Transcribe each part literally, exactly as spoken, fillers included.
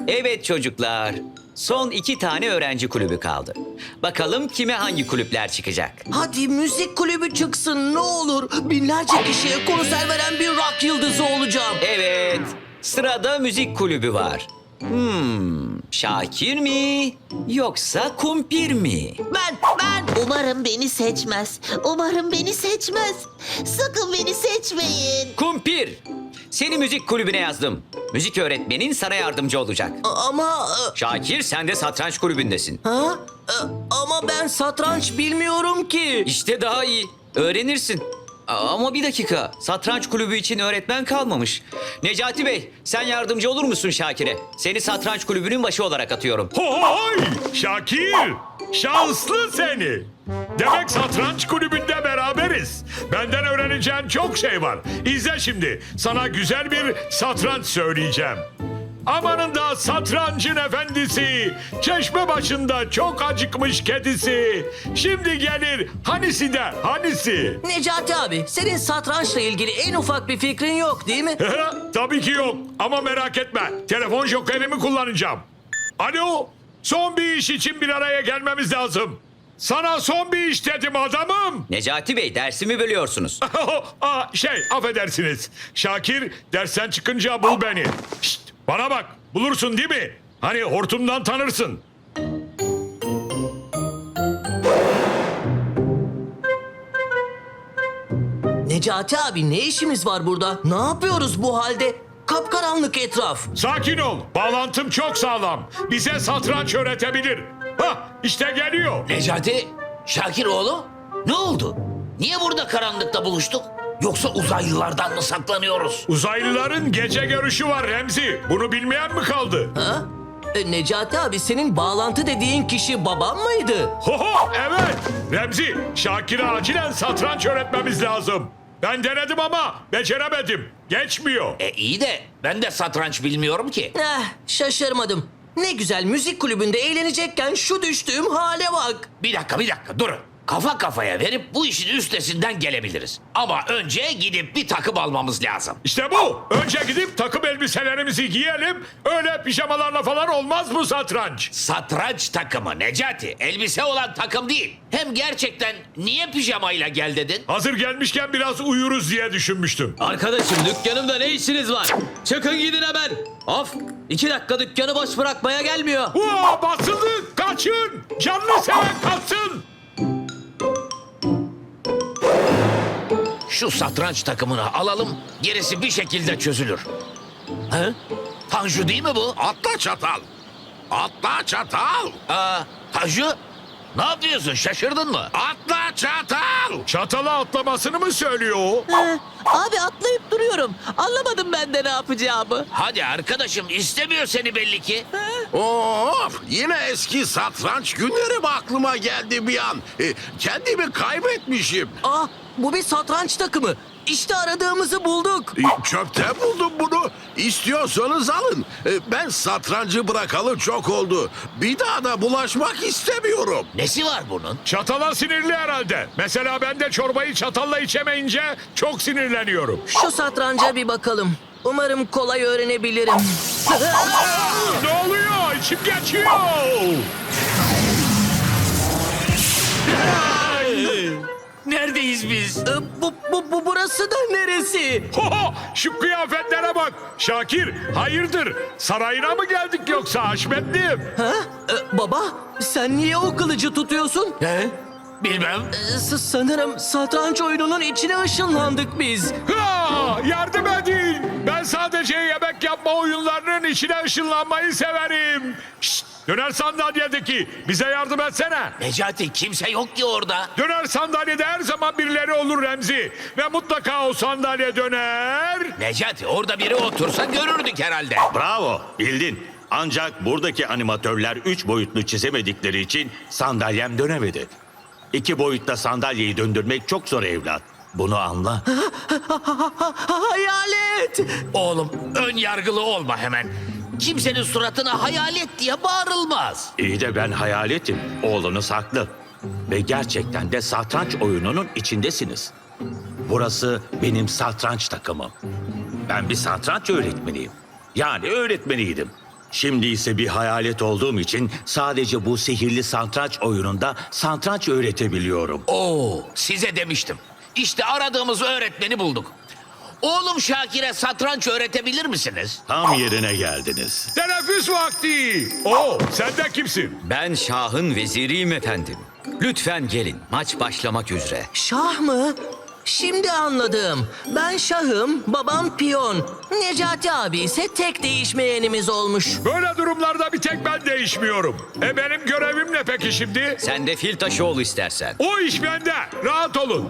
Evet çocuklar, son iki tane öğrenci kulübü kaldı. Bakalım kime hangi kulüpler çıkacak? Hadi müzik kulübü çıksın ne olur. Binlerce kişiye konser veren bir rock yıldızı olacağım. Evet, sırada müzik kulübü var. Hmm, Şakir mi yoksa Kumpir mi? Ben, ben. Umarım beni seçmez. Umarım beni seçmez. Sakın beni seçmeyin. Kumpir, seni müzik kulübüne yazdım. Müzik öğretmenin sana yardımcı olacak. A- Ama... e, Şakir, sen de satranç kulübündesin. Ha? E, Ama ben satranç bilmiyorum ki. İşte daha iyi. Öğrenirsin. Ama bir dakika. Satranç kulübü için öğretmen kalmamış. Necati Bey, sen yardımcı olur musun Şakir'e? Seni satranç kulübünün başı olarak atıyorum. Hohoy! Şakir! Şanslı seni! Demek satranç kulübünde beraberiz. Benden öğreneceğin çok şey var. İzle şimdi. Sana güzel bir satranç söyleyeceğim. Amanında satrancın efendisi, çeşme başında çok acıkmış kedisi. Şimdi gelir hanisi de hanisi. Necati abi, senin satrançla ilgili en ufak bir fikrin yok değil mi? Tabii ki yok ama merak etme. Telefon jokerimi kullanacağım. Alo, son bir iş için bir araya gelmemiz lazım. Sana son bir iş dedim adamım. Necati Bey, dersimi bölüyorsunuz. Aa, şey, affedersiniz. Şakir, dersten çıkınca bul beni. Şşt, bana bak, bulursun değil mi? Hani hortumdan tanırsın. Necati abi, ne işimiz var burada? Ne yapıyoruz bu halde? Kapkaranlık etraf. Sakin ol, bağlantım çok sağlam. Bize satranç öğretebilir. Hah, işte geliyor. Necati, Şakiroğlu, ne oldu? Niye burada karanlıkta buluştuk? Yoksa uzaylılardan mı saklanıyoruz? Uzaylıların gece görüşü var Remzi. Bunu bilmeyen mi kaldı? Ha? E, Necati abi, senin bağlantı dediğin kişi babam mıydı? Hoho, evet. Remzi, Şakir'e acilen satranç öğretmemiz lazım. Ben denedim ama beceremedim. Geçmiyor. E iyi de ben de satranç bilmiyorum ki. Eh, şaşırmadım. Ne güzel müzik kulübünde eğlenecekken şu düştüğüm hale bak. Bir dakika, bir dakika, durun. Kafa kafaya verip bu işin üstesinden gelebiliriz. Ama önce gidip bir takım almamız lazım. İşte bu. Önce gidip takım elbiselerimizi giyelim. Öyle pijamalarla falan olmaz bu satranç. Satranç takımı Necati, elbise olan takım değil. Hem gerçekten niye pijamayla gel dedin? Hazır gelmişken biraz uyuruz diye düşünmüştüm. Arkadaşım, dükkanımda ne işiniz var? Çıkın gidin hemen. Of, iki dakika dükkanı boş bırakmaya gelmiyor. Uaa, basıldı. Kaçın. Canlı seven kaçsın. Şu satranç takımını alalım, gerisi bir şekilde çözülür. He? Tanju değil mi bu? Atla çatal. Atla çatal. Aa, Tanju, ne yapıyorsun? Şaşırdın mı? Atla çatal. Çatala atlamasını mı söylüyor o? Abi atlayıp duruyorum. Anlamadım ben de ne yapacağımı. Hadi arkadaşım, istemiyor seni belli ki. Of, yine eski satranç günlerim aklıma geldi bir an. E, kendimi kaybetmişim. Ah, bu bir satranç takımı. İşte aradığımızı bulduk. E, çöpten buldum bunu. İstiyorsanız alın. E, ben satrancı bırakalı çok oldu. Bir daha da bulaşmak istemiyorum. Nesi var bunun? Çatala sinirli herhalde. Mesela ben de çorbayı çatalla içemeyince çok sinirleniyorum. Şu satranca bir bakalım. Umarım kolay öğrenebilirim. Ne oluyor? İçim geçiyor. Neredeyiz biz? E, bu, bu, bu burası da neresi? Hoho, şu kıyafetlere bak. Şakir, hayırdır? Sarayına mı geldik yoksa Haşmetliğim? Ha? E, baba, sen niye o kılıcı tutuyorsun? He? Bilmem. E, s- sanırım satranç oyununun içine ışınlandık biz. Ha, yardım edin. Ben sadece yemek yapma oyunlarının içine ışınlanmayı severim. Şşt, döner sandalyedeki bize yardım etsene. Necati, kimse yok ki orada. Döner sandalyede her zaman birileri olur Remzi. Ve mutlaka o sandalye döner. Necati, orada biri otursa görürdük herhalde. Bravo, bildin. Ancak buradaki animatörler üç boyutlu çizemedikleri için sandalyem dönemedi. İki boyutta sandalyeyi döndürmek çok zor evlat. Bunu anla. Hayalet! Oğlum, ön yargılı olma hemen. Kimsenin suratına hayalet diye bağırılmaz. İyi de ben hayaletim. Oğlunuz haklı. Ve gerçekten de satranç oyununun içindesiniz. Burası benim satranç takımım. Ben bir satranç öğretmeniyim. Yani öğretmeniydim. Şimdi ise bir hayalet olduğum için sadece bu sihirli satranç oyununda satranç öğretebiliyorum. Oo, size demiştim. İşte aradığımız öğretmeni bulduk. Oğlum Şakir'e satranç öğretebilir misiniz? Tam yerine geldiniz. Teneffüs vakti. Oo, sen de kimsin? Ben Şah'ın veziriyim efendim. Lütfen gelin, maç başlamak üzere. Şah mı? Şimdi anladım. Ben şahım, babam piyon. Necati abi ise tek değişmeyenimiz olmuş. Böyle durumlarda bir tek ben değişmiyorum. E benim görevim ne peki şimdi? Sen de fil taşı ol istersen. O iş bende. Rahat olun.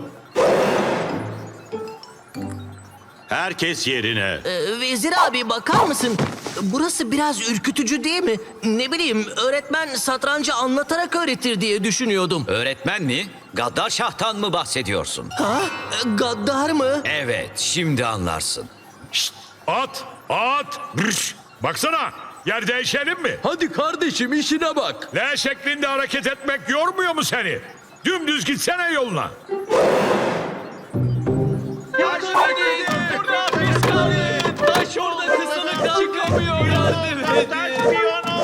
Herkes yerine. Ee, Vezir abi bakar mısın? Burası biraz ürkütücü değil mi? Ne bileyim öğretmen satrancı anlatarak öğretir diye düşünüyordum. Öğretmen mi? Gaddar Şah'tan mı bahsediyorsun? Ha? Ee, Gaddar mı? Evet, şimdi anlarsın. Şşt, at, at. Brş. Baksana, yer değişelim mi? Hadi kardeşim işine bak. L şeklinde hareket etmek yormuyor mu seni? Dümdüz gitsene yoluna. Taş orada kısılık çıkamıyor. Yardım edin.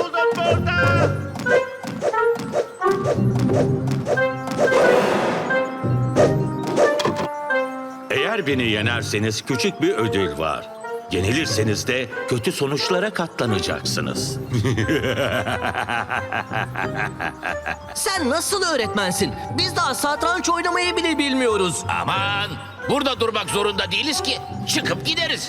Eğer beni yenerseniz küçük bir ödül var. Yenilirseniz de kötü sonuçlara katlanacaksınız. Sen nasıl öğretmensin? Biz daha satranç oynamayı bile bilmiyoruz. Aman, burada durmak zorunda değiliz ki. Çıkıp gideriz.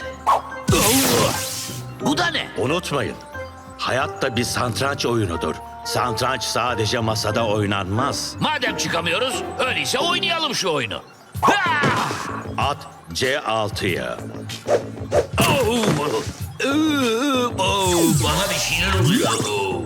Bu da ne? Unutmayın, hayat da bir satranç oyunudur. Satranç sadece masada oynanmaz. Madem çıkamıyoruz, öyleyse oynayalım şu oyunu. Ha! At C altıya. Oh! Oh! Bana bir şeyler oluyor. Oh!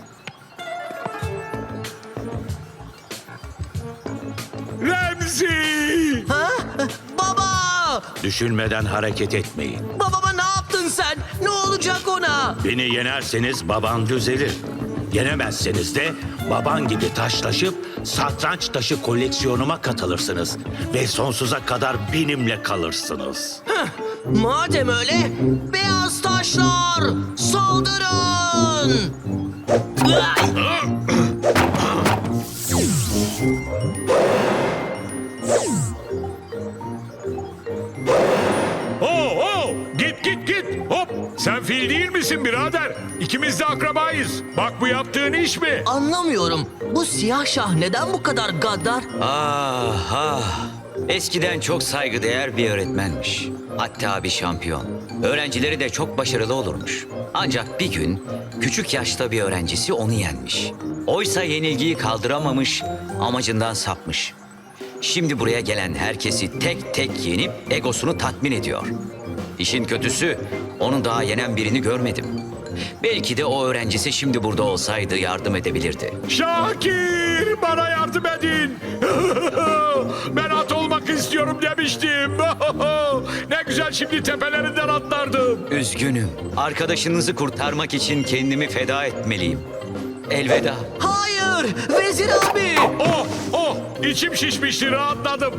Remzi! Ha? Baba! Düşünmeden hareket etmeyin. Babama ne yaptın sen? Ne olacak ona? Beni yenerseniz baban düzelir. Yenemezseniz de baban gibi taşlaşıp satranç taşı koleksiyonuma katılırsınız. Ve sonsuza kadar benimle kalırsınız. Madem öyle, beyaz taşlar saldırın! Oo, oo! Git git git! Hop! Sen fil değil misin birader? İkimiz de akrabayız. Bak bu yaptığın iş mi? Anlamıyorum. Bu siyah şah neden bu kadar gaddar? Ah ah. Eskiden çok saygıdeğer bir öğretmenmiş. Hatta bir şampiyon. Öğrencileri de çok başarılı olurmuş. Ancak bir gün küçük yaşta bir öğrencisi onu yenmiş. Oysa yenilgiyi kaldıramamış, amacından sapmış. Şimdi buraya gelen herkesi tek tek yenip egosunu tatmin ediyor. İşin kötüsü onu daha yenen birini görmedim. Belki de o öğrencisi şimdi burada olsaydı yardım edebilirdi. Şakir! Bana yardım edin! Ben at olmak istiyorum demiştim. Ne güzel şimdi tepelerinden atlardım. Üzgünüm. Arkadaşınızı kurtarmak için kendimi feda etmeliyim. Elveda. Hayır! Vezir abi! Oh oh! İçim şişmişti, rahatladım.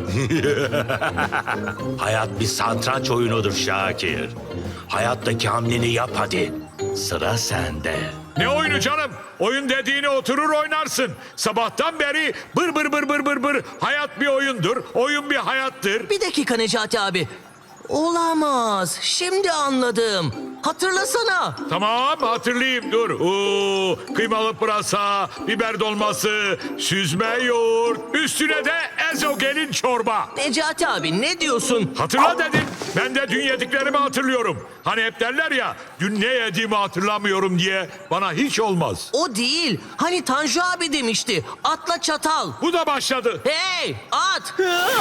Hayat bir satranç oyunudur Şakir. Hayattaki hamleni yap hadi. Sıra sende. Ne oyunu canım? Oyun dediğini oturur oynarsın. Sabahtan beri bır bır bır bır bır bır. Hayat bir oyundur, oyun bir hayattır. Bir dakika Necati abi. Olamaz. Şimdi anladım. Hatırlasana. Tamam hatırlayayım dur. Oo, kıymalı pırasa, biber dolması, süzme yoğurt, üstüne de ezogelin çorba. Necati abi ne diyorsun? Hatırla dedim. Ben de dün yediklerimi hatırlıyorum. Hani hep derler ya dün ne yediğimi hatırlamıyorum diye. Bana hiç olmaz. O değil. Hani Tanju abi demişti. Atla çatal. Bu da başladı. Hey at.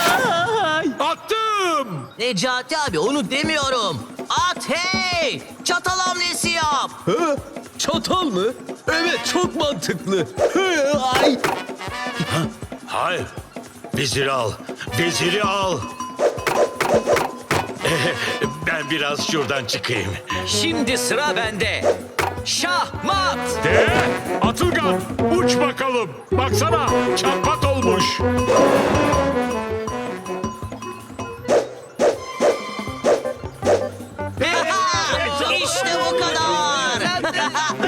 Attım. Necati abi onu demiyorum. At hey. Çatal hamlesi yap. Ha? Çatal mı? Evet çok mantıklı. Ay. Hayır. Veziri al. Veziri al. Ben biraz şuradan çıkayım. Şimdi sıra bende. Şahmat. De Atılgan uç bakalım. Baksana çapat olmuş. İşte bu kadar.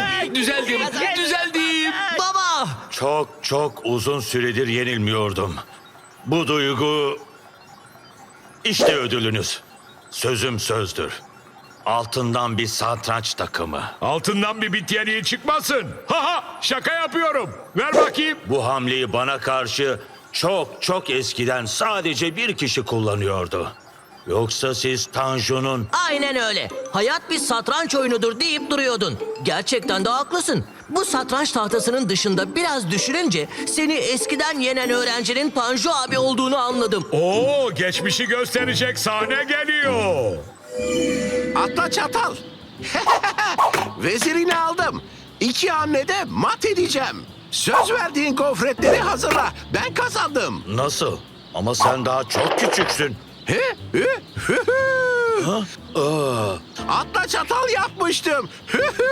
çok çok uzun süredir yenilmiyordum. Bu duygu... İşte ödülünüz. Sözüm sözdür. Altından bir satranç takımı. Altından bir bit yeniği çıkmasın. Ha ha, şaka yapıyorum. Ver bakayım. Bu hamleyi bana karşı çok çok eskiden sadece bir kişi kullanıyordu. Yoksa siz Tanju'nun... Aynen öyle. Hayat bir satranç oyunudur deyip duruyordun. Gerçekten de haklısın. Bu satranç tahtasının dışında biraz düşününce seni eskiden yenen öğrencinin Tanju abi olduğunu anladım. Oo, geçmişi gösterecek sahne geliyor. Atla çatal. Vezirini aldım. İki hamlede mat edeceğim. Söz verdiğin gofretleri hazırla. Ben kazandım. Nasıl? Ama sen daha çok küçüksün. He? He? Hı hı. Aa, Atla çatal yapmıştım. Hı hı.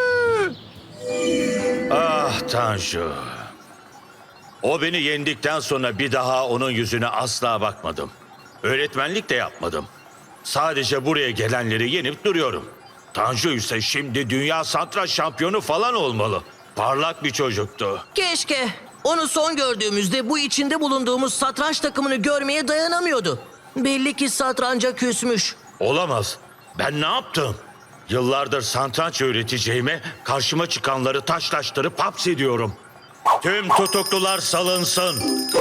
ah Tanju. O beni yendikten sonra bir daha onun yüzüne asla bakmadım. Öğretmenlik de yapmadım. Sadece buraya gelenleri yenip duruyorum. Tanju ise şimdi dünya satranç şampiyonu falan olmalı. Parlak bir çocuktu. Keşke. Onu son gördüğümüzde bu içinde bulunduğumuz satranç takımını görmeye dayanamıyordu. Belli ki satranca küsmüş. Olamaz. Ben ne yaptım? Yıllardır satranç öğreteceğime karşıma çıkanları taşlaştırıp hapsediyorum. Tüm tutuklular salınsın.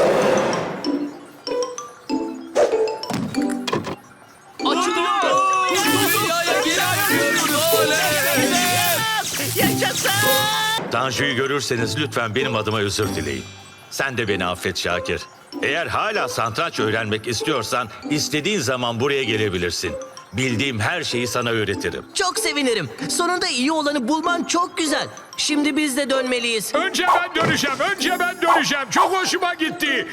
Açılıyor. Dünyaya geri açıyoruz. Oley! Yaşasın! Tanju'yu görürseniz lütfen benim adıma özür dileyin. Sen de beni affet Şakir. Eğer hala satranç öğrenmek istiyorsan istediğin zaman buraya gelebilirsin. Bildiğim her şeyi sana öğretirim. Çok sevinirim. Sonunda iyi olanı bulman çok güzel. Şimdi biz de dönmeliyiz. Önce ben döneceğim, önce ben döneceğim. Çok hoşuma gitti.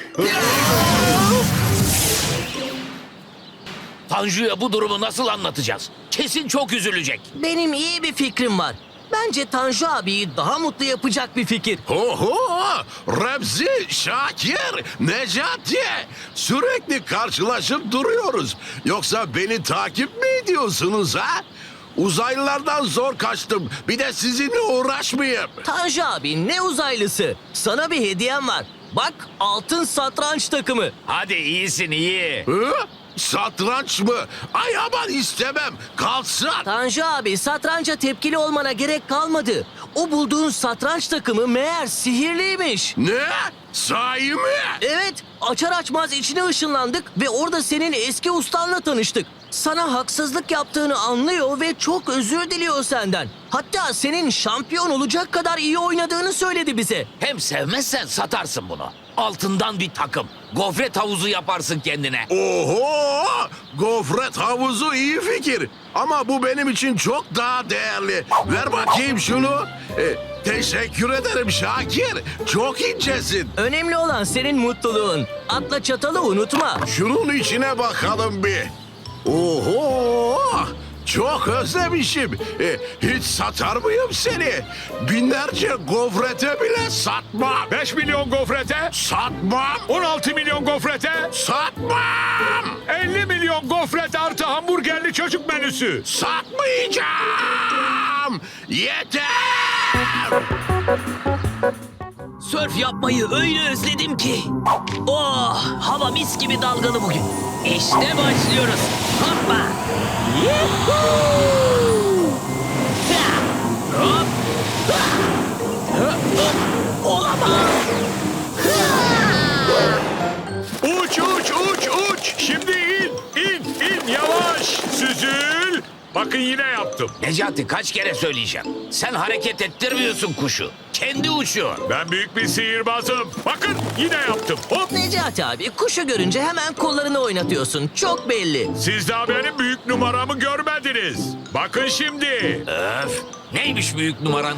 Tanju'ya bu durumu nasıl anlatacağız? Kesin çok üzülecek. Benim iyi bir fikrim var. Bence Tanju abiyi daha mutlu yapacak bir fikir. Oho! Remzi, Şakir, Necati. Sürekli karşılaşıp duruyoruz. Yoksa beni takip mi ediyorsunuz ha? Uzaylılardan zor kaçtım. Bir de sizinle uğraşmayayım. Tanju abi ne uzaylısı. Sana bir hediyem var. Bak altın satranç takımı. Hadi iyisin iyi. Hı? Satranç mı? Ay aman istemem. Kalsın. Tanju abi satranca tepkili olmana gerek kalmadı. O bulduğun satranç takımı meğer sihirliymiş. Ne? Sahi mi? Evet, açar açmaz içine ışınlandık ve orada senin eski ustanla tanıştık. Sana haksızlık yaptığını anlıyor ve çok özür diliyor senden. Hatta senin şampiyon olacak kadar iyi oynadığını söyledi bize. Hem sevmezsen satarsın bunu. Altından bir takım. Gofret havuzu yaparsın kendine. Oho! Gofret havuzu iyi fikir. Ama bu benim için çok daha değerli. Ver bakayım şunu. E, teşekkür ederim Şakir. Çok incesin. Önemli olan senin mutluluğun. Atla çatalı unutma. Şunun içine bakalım bir. Oho! Çok özlemişim. E, hiç satar mıyım seni? Binlerce gofrete bile satmam. beş milyon gofrete, Satmam. on altı milyon gofrete, Satmam. elli milyon gofret artı hamburgerli çocuk menüsü. Satmayacağım. Yeter. Sörf yapmayı öyle özledim ki. Oh, hava mis gibi dalgalı bugün. İşte başlıyoruz. Hoppa. Yuhuu. Ha. Hop. Ha. Hı, hı. Olamaz. Uç uç uç uç. Şimdi in in in yavaş. Süzül. Bakın yine yaptım. Necati kaç kere söyleyeceğim. Sen hareket ettirmiyorsun kuşu. Kendi uçuyor. Ben büyük bir sihirbazım. Bakın yine yaptım. Hop. Necati abi kuşu görünce hemen kollarını oynatıyorsun. Çok belli. Siz daha benim büyük numaramı görmediniz. Bakın şimdi. Öf. Neymiş büyük numaran?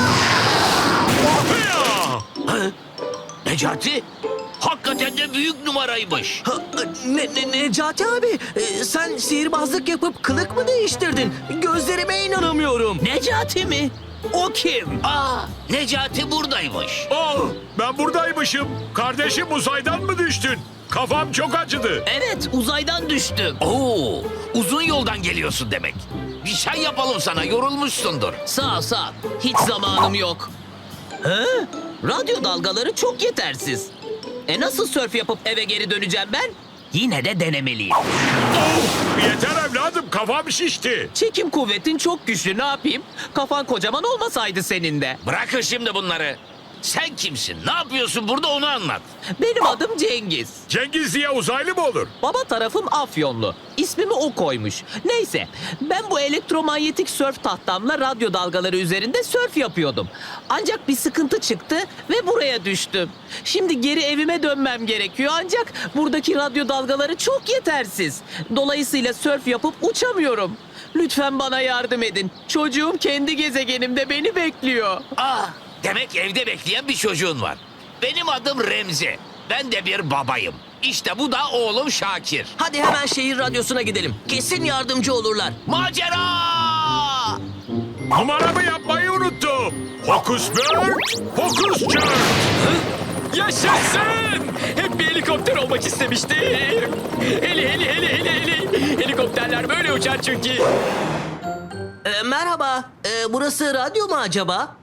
Hıya! Necati? Hakikaten de büyük numaraymış. Ha, ne, ne, Necati abi e, sen sihirbazlık yapıp kılık mı değiştirdin? Gözlerime inanamıyorum. Necati mi? O kim? Aa, Necati buradaymış. Oh, ben buradaymışım. Kardeşim uzaydan mı düştün? Kafam çok acıdı. Evet uzaydan düştüm. Oo, uzun yoldan geliyorsun demek. Bir çay yapalım sana, yorulmuşsundur. Sağ ol, sağ ol. Hiç zamanım yok. He? Radyo dalgaları çok yetersiz. E nasıl sörf yapıp eve geri döneceğim ben? Yine de denemeliyim. Oh, yeter evladım, kafam şişti. Çekim kuvvetin çok güçlü, ne yapayım? Kafan kocaman olmasaydı senin de. Bırakın şimdi bunları. Sen kimsin? Ne yapıyorsun burada onu anlat. Benim adım Cengiz. Cengiz diye uzaylı mı olur? Baba tarafım Afyonlu. İsmimi o koymuş. Neyse, ben bu elektromanyetik sörf tahtamla radyo dalgaları üzerinde sörf yapıyordum. Ancak bir sıkıntı çıktı ve buraya düştüm. Şimdi geri evime dönmem gerekiyor ancak buradaki radyo dalgaları çok yetersiz. Dolayısıyla sörf yapıp uçamıyorum. Lütfen bana yardım edin. Çocuğum kendi gezegenimde beni bekliyor. Ah, demek evde bekleyen bir çocuğun var. Benim adım Remzi. Ben de bir babayım. İşte bu da oğlum Şakir. Hadi hemen şehir radyosuna gidelim. Kesin yardımcı olurlar. Macera! Numaramı yapmayı unuttum. Hokus Bört, Hokus Cört. Yaşasın! Hep bir helikopter olmak istemiştim. Heli heli heli heli heli. Helikopterler böyle uçar çünkü. Ee, merhaba, ee, burası radyo mu acaba?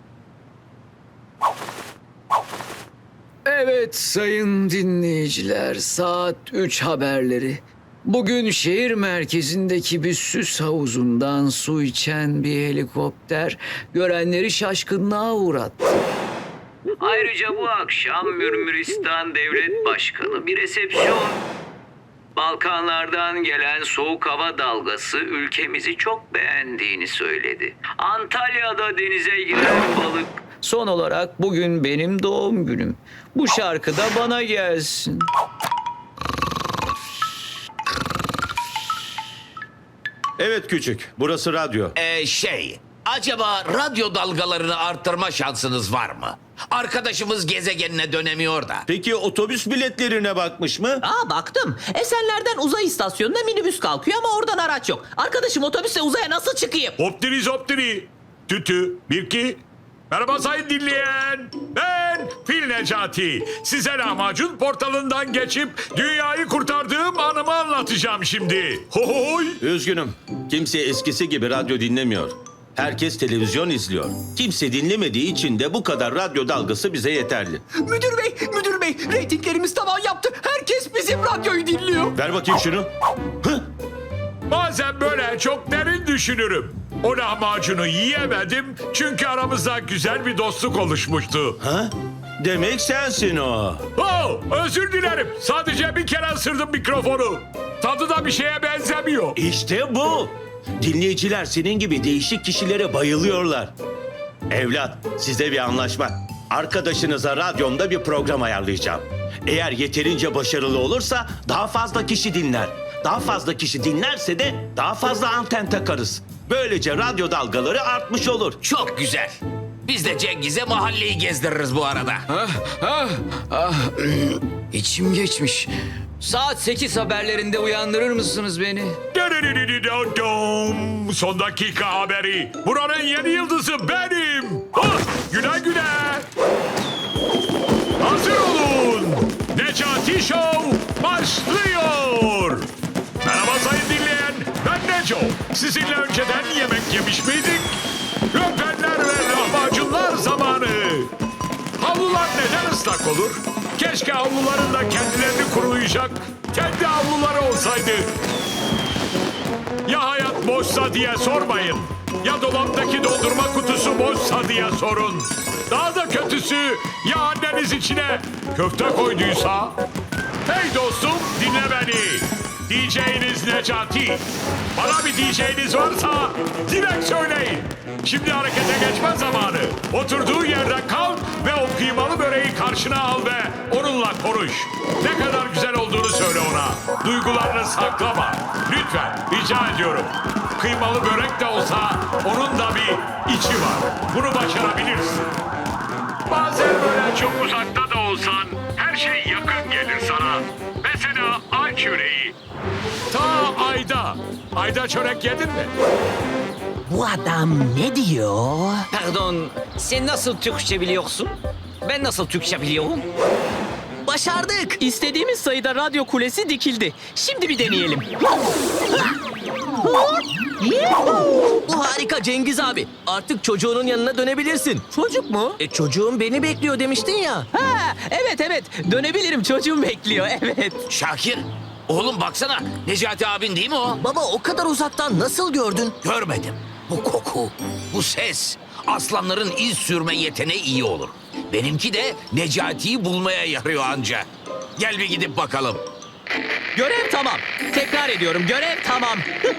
Evet sayın dinleyiciler, saat üç haberleri. Bugün şehir merkezindeki bir süs havuzundan su içen bir helikopter görenleri şaşkınlığa uğrattı. Ayrıca bu akşam Mürmüristan Devlet Başkanı bir resepsiyon. Balkanlardan gelen soğuk hava dalgası ülkemizi çok beğendiğini söyledi. Antalya'da denize giren balık. Son olarak bugün benim doğum günüm. Bu şarkı da bana gelsin. Evet küçük, burası radyo. Ee, şey, acaba radyo dalgalarını arttırma şansınız var mı? Arkadaşımız gezegenine dönemiyor da. Peki otobüs biletlerine bakmış mı? Aa baktım. Esenler'den uzay istasyonuna minibüs kalkıyor ama oradan araç yok. Arkadaşım otobüse uzaya nasıl çıkayım? Hoptiri zoptiri. Tütü, bir iki. Merhaba sayın dinleyen. Ben Fil Necati. Size lahmacun portalından geçip dünyayı kurtardığım anımı anlatacağım şimdi. Hohoy. Üzgünüm, kimse eskisi gibi radyo dinlemiyor. Herkes televizyon izliyor. Kimse dinlemediği için de bu kadar radyo dalgası bize yeterli. Müdür bey, müdür bey. Reytinglerimiz tavan yaptı. Herkes bizim radyoyu dinliyor. Ver bakayım şunu. Hı? Bazen böyle çok derin düşünürüm. O lahmacunu yiyemedim çünkü aramızda güzel bir dostluk oluşmuştu. Ha? Demek sensin o. Oh, özür dilerim. Sadece bir kere ısırdım mikrofonu. Tadı da bir şeye benzemiyor. İşte bu. Dinleyiciler senin gibi değişik kişilere bayılıyorlar. Evlat, size bir anlaşma. Arkadaşınıza radyomda bir program ayarlayacağım. Eğer yeterince başarılı olursa daha fazla kişi dinler. Daha fazla kişi dinlerse de daha fazla anten takarız. Böylece radyo dalgaları artmış olur. Çok güzel. Biz de Cengiz'e mahalleyi gezdiririz bu arada. İçim geçmiş. Saat sekiz haberlerinde uyandırır mısınız beni? Dum. Son dakika haberi. Buranın yeni yıldızı benim. Ah, güle güle. Hazır olun. Necati Show başlıyor. Merhaba sayın dinleyen. Ben Neco. Sizinle önceden yemek yemiş miydik? Röpenler ve lahmacunlar zamanı. Havlular neden ıslak olur? Keşke havluların da kendilerini kurulayacak kendi havluları olsaydı. Ya hayat boşsa diye sormayın. Ya dolaptaki dondurma kutusu boşsa diye sorun. Daha da kötüsü ya anneniz içine köfte koyduysa? Hey dostum dinle beni. D J'niz Necati. Bana bir D J'niz varsa direkt söyleyin. Şimdi harekete geçme zamanı. Oturduğu yerden kalk ve o kıymalı böreği karşına al ve onunla konuş. Ne kadar güzel olduğunu söyle ona. Duygularını saklama. Lütfen rica ediyorum. Kıymalı börek de olsa onun da bir içi var. Bunu başarabilirsin. Bazen böyle çok uzakta da olsan her şey yakın gelir sana. Mesela ay çöreği. Ta ayda. Ayda çörek yedin mi? Bu adam ne diyor? Pardon, sen nasıl Türkçe biliyorsun? Ben nasıl Türkçe biliyorum? Başardık. İstediğimiz sayıda radyo kulesi dikildi. Şimdi bir deneyelim. Bu harika. Harika Cengiz abi. Artık çocuğunun yanına dönebilirsin. Çocuk mu? E çocuğum beni bekliyor demiştin ya. Ha, evet evet. Dönebilirim. Çocuğum bekliyor. Evet. Şakir, oğlum baksana. Necati abin değil mi o? Baba o kadar uzaktan nasıl gördün? Görmedim. Bu koku, bu ses. Aslanların iz sürme yeteneği iyi olur. Benimki de Necati'yi bulmaya yarıyor anca. Gel bir gidip bakalım. Görev tamam. Tekrar ediyorum. Görev tamam.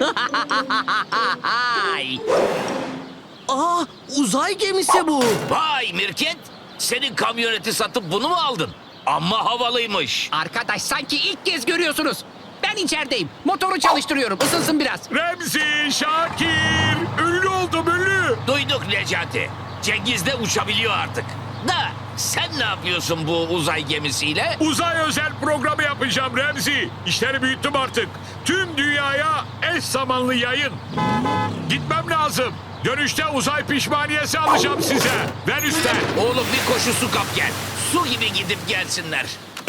Aa uzay gemisi bu. Vay Mirket, senin kamyoneti satıp bunu mu aldın? Amma havalıymış. Arkadaş sanki ilk kez görüyorsunuz. Ben içerideyim. Motoru çalıştırıyorum. Isınsın biraz. Remzi, Şakir, ünlü oldum ünlü. Duyduk Necati. Cengiz de uçabiliyor artık. Da sen ne yapıyorsun bu uzay gemisiyle? Uzay özel programı yapacağım Remzi. İşleri büyüttüm artık. Tüm dünyaya eş zamanlı yayın. Gitmem lazım. Dönüşte uzay pişmaniyesi alacağım size. Venüs'ten. Oğlum bir koşu su kap gel. Su gibi gidip gelsinler.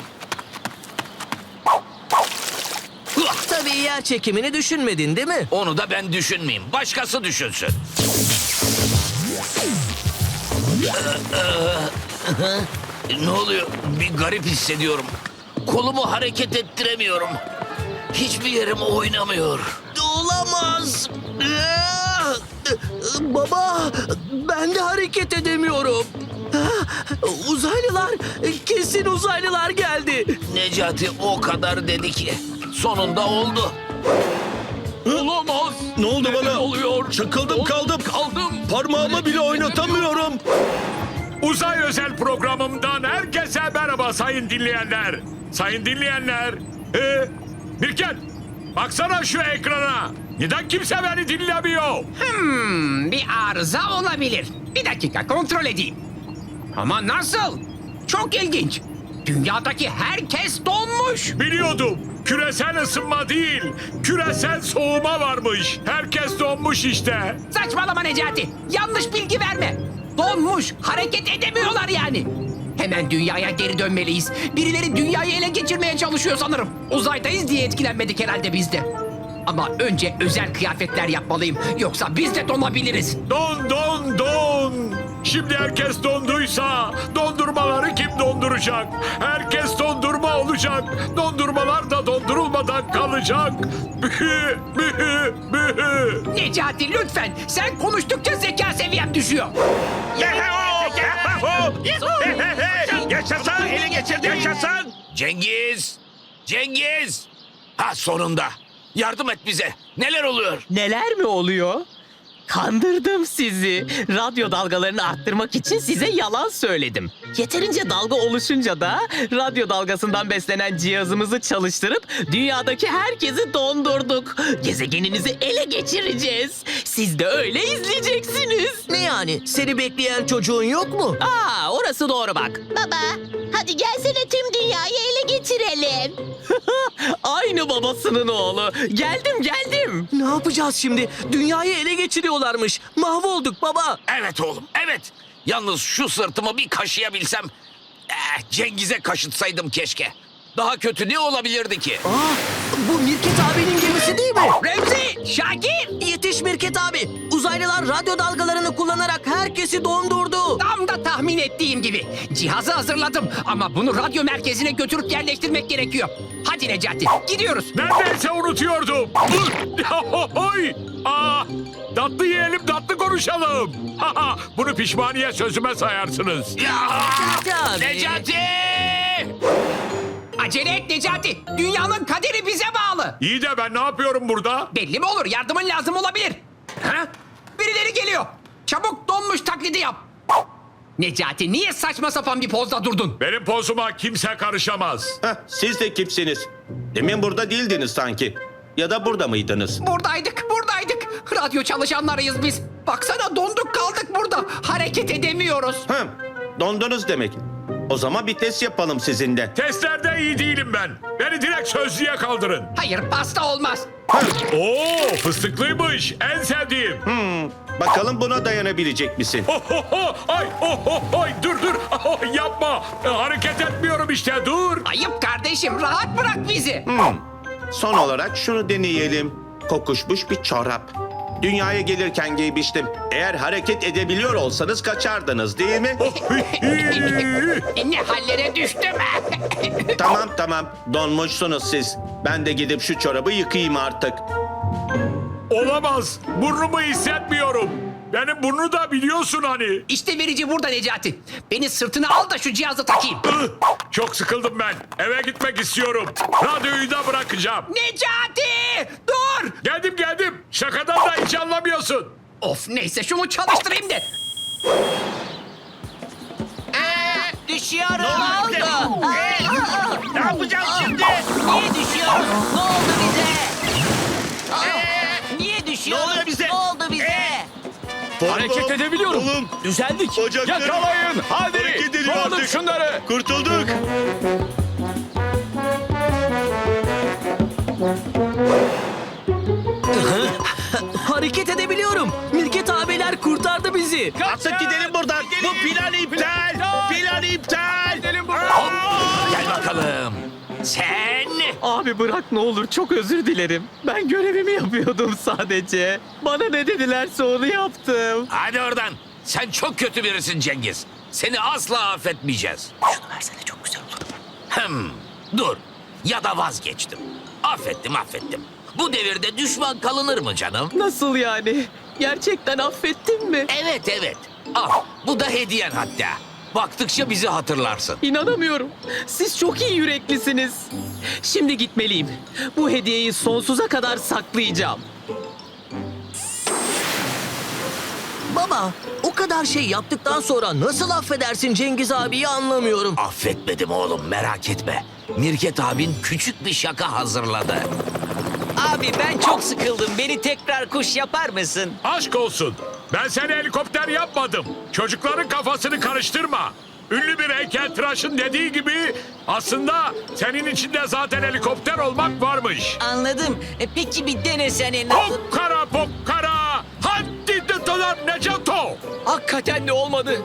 Hıh! Tabii yer çekimini düşünmedin değil mi? Onu da ben düşünmeyeyim. Başkası düşünsün. Ne oluyor? Bir garip hissediyorum. Kolumu hareket ettiremiyorum. Hiçbir yerim oynamıyor. Olamaz. Ah! Baba ben de hareket edemiyorum. Ah, Uzaylılar kesin uzaylılar geldi. Necati o kadar dedi ki. Sonunda oldu. Olamaz. Ne oldu bana? oluyor? Çakıldım kaldım. Kaldım. Parmağımı bile oynatamıyorum. Uzay özel programımdan herkese merhaba sayın dinleyenler. Sayın dinleyenler. Ee, Mirket, baksana şu ekrana. Neden kimse beni dinlemiyor? Hmm, bir arıza olabilir. Bir dakika kontrol edeyim. Ama nasıl? Çok ilginç. Dünyadaki herkes donmuş. Biliyordum. Küresel ısınma değil, küresel soğuma varmış. Herkes donmuş işte. Saçmalama Necati. Yanlış bilgi verme. Donmuş. Hareket edemiyorlar yani. Hemen dünyaya geri dönmeliyiz. Birileri dünyayı ele geçirmeye çalışıyor sanırım. Uzaydayız diye etkilenmedik herhalde biz de. Ama önce özel kıyafetler yapmalıyım. Yoksa biz de donabiliriz. Don, don, don. Şimdi herkes donduysa dondurmaları kim donduracak? Herkes dondurma olacak. Dondurmalar da dondurulmadan kalacak. Bühü, bühü, bühü. Necati lütfen. Sen konuştukça zeka seviyem düşüyor. Yaşasın, ele geçirdim. Yaşasın. Cengiz, Cengiz. Ha sonunda. Yardım et bize. Neler oluyor? Neler mi oluyor? Kandırdım sizi. Radyo dalgalarını arttırmak için size yalan söyledim. Yeterince dalga oluşunca da radyo dalgasından beslenen cihazımızı çalıştırıp dünyadaki herkesi dondurduk. Gezegeninizi ele geçireceğiz. Siz de öyle izleyeceksiniz. Ne yani seni bekleyen çocuğun yok mu? Aa, orası doğru bak. Baba, hadi gelsene tüm dünyayı ele geçirelim. Aynı babasının oğlu. Geldim geldim. Ne yapacağız şimdi? Dünyayı ele geçiriyorlarmış. Mahvolduk baba. Evet oğlum, evet. Yalnız şu sırtımı bir kaşıyabilsem... Eh, Cengiz'e kaşıtsaydım keşke. Daha kötü ne olabilirdi ki? Aa, bu Mirket abinin gemisi değil mi? Remzi, Şakir. Yetiş Mirket abi. Uzaylılar radyo dalgalarını kullanarak herkesi dondurdu. Tam da tahmin ettiğim gibi. Cihazı hazırladım ama bunu radyo merkezine götürüp yerleştirmek gerekiyor. Hadi Necati, gidiyoruz. Neredeyse unutuyordum. Oy! Aa, tatlı yiyelim, tatlı konuşalım. Bunu pişmaniye sözüme sayarsınız. Ya! Necati. Necati! Acele et Necati. Dünyanın kaderi bize bağlı. İyi de ben ne yapıyorum burada? Belli mi olur? Yardımın lazım olabilir. Ha? Birileri geliyor. Çabuk donmuş taklidi yap. Necati niye saçma sapan bir pozda durdun? Benim pozuma kimse karışamaz. Heh, siz de kimsiniz? Demin burada değildiniz sanki. Ya da burada mıydınız? Buradaydık, buradaydık. Radyo çalışanlarıyız biz. Baksana donduk kaldık burada. Hareket edemiyoruz. Hı, dondunuz demek. O zaman bir test yapalım sizinle. Testlerde iyi değilim ben. Beni direkt sözlüğe kaldırın. Hayır pasta olmaz. Oo, fıstıklıymış. En sevdiğim. Bakalım buna dayanabilecek misin? Ho, ho, ho. Ay, oh, oh, ay, dur dur. Oh, yapma. E, hareket etmiyorum işte. Dur. Ayıp kardeşim rahat bırak bizi. Son olarak şunu deneyelim. Kokuşmuş bir çorap. Dünyaya gelirken giymiştim. Eğer hareket edebiliyor olsanız kaçardınız değil mi? ne hallere düştüm. Tamam tamam, donmuşsunuz siz. Ben de gidip şu çorabı yıkayayım artık. Olamaz. Burnumu hissetmiyorum. Benim burnu da biliyorsun hani. İşte verici burada Necati. Beni sırtına al da şu cihazı takayım. Ih, Çok sıkıldım ben. Eve gitmek istiyorum. Radyoyu da bırakacağım. Necati! Dur! Geldim geldim. Şakadan da hiç anlamıyorsun. Of neyse şunu çalıştırayım da. Düşüyoruz. Ne oldu? Ne yapacağız şimdi? Niye düşüyoruz? Ne oldu bize? Aa, Niye düşüyoruz? Ne oluyor bize? Ne oldu bize? Hareket edebiliyorum. Oğlum, Düzeldik. bacaklarım Yakalayın. Hadi. hareket ediyor Kovduk artık. şunları. Kurtulduk. Hareket edebiliyorum. Mirket abiler kurtardı bizi. Artık gidelim buradan. Bu plan iptal. Plan iptal. Gidelim buradan. Gel bakalım. Sen Abi bırak ne olur, çok özür dilerim. Ben görevimi yapıyordum sadece. Bana ne dedilerse onu yaptım. hadi oradan. Sen çok kötü birisin Cengiz. Seni asla affetmeyeceğiz. Şunu versene çok güzel olur. Hmm, dur. Ya da vazgeçtim. Affettim affettim. Bu devirde düşman kalınır mı canım? Nasıl yani? Gerçekten affettin mi? Evet evet. Al bu da hediyen hatta. Baktıkça bizi hatırlarsın. İnanamıyorum. Siz çok iyi yüreklisiniz. Şimdi gitmeliyim. Bu hediyeyi sonsuza kadar saklayacağım. Baba, o kadar şey yaptıktan sonra nasıl affedersin Cengiz abiyi anlamıyorum. Affetmedim oğlum merak etme. Mirket abin küçük bir şaka hazırladı. Abi ben çok sıkıldım. Beni tekrar kuş yapar mısın? Aşk olsun. Ben seni helikopter yapmadım. Çocukların kafasını karıştırma. Ünlü bir heykeltıraşın dediği gibi aslında senin içinde zaten helikopter olmak varmış. Anladım. E, peki bir denesene. Pokkara pokkara. Hadi dıtılar Necato. Hakikaten de olmadı.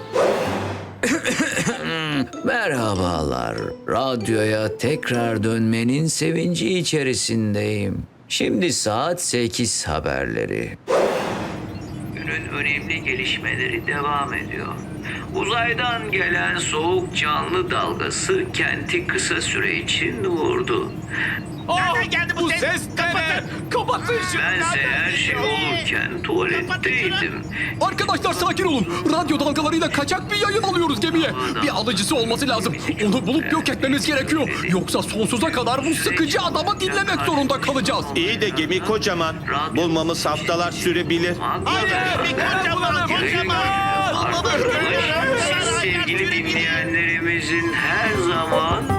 Merhabalar. Radyoya tekrar dönmenin sevinci içerisindeyim. Şimdi saat sekiz haberleri. Günün önemli gelişmeleri devam ediyor. Uzaydan gelen soğuk canlı dalgası kenti kısa süre için vurdu. Nereden geldi bu ses? Kapatın. Kapatın şunu. Bense her şey olurken tuvaletteydim. Arkadaşlar sakin olun. Radyo dalgalarıyla kaçak bir yayın alıyoruz gemiye. Bir alıcısı olması lazım. Onu bulup yok etmemiz gerekiyor. Yoksa sonsuza kadar bu sıkıcı adamı dinlemek zorunda kalacağız. İyi de gemi kocaman. Bulmamız haftalar sürebilir. Hayır, kocaman, kocaman. Sevgili dinleyenlerimizin her zaman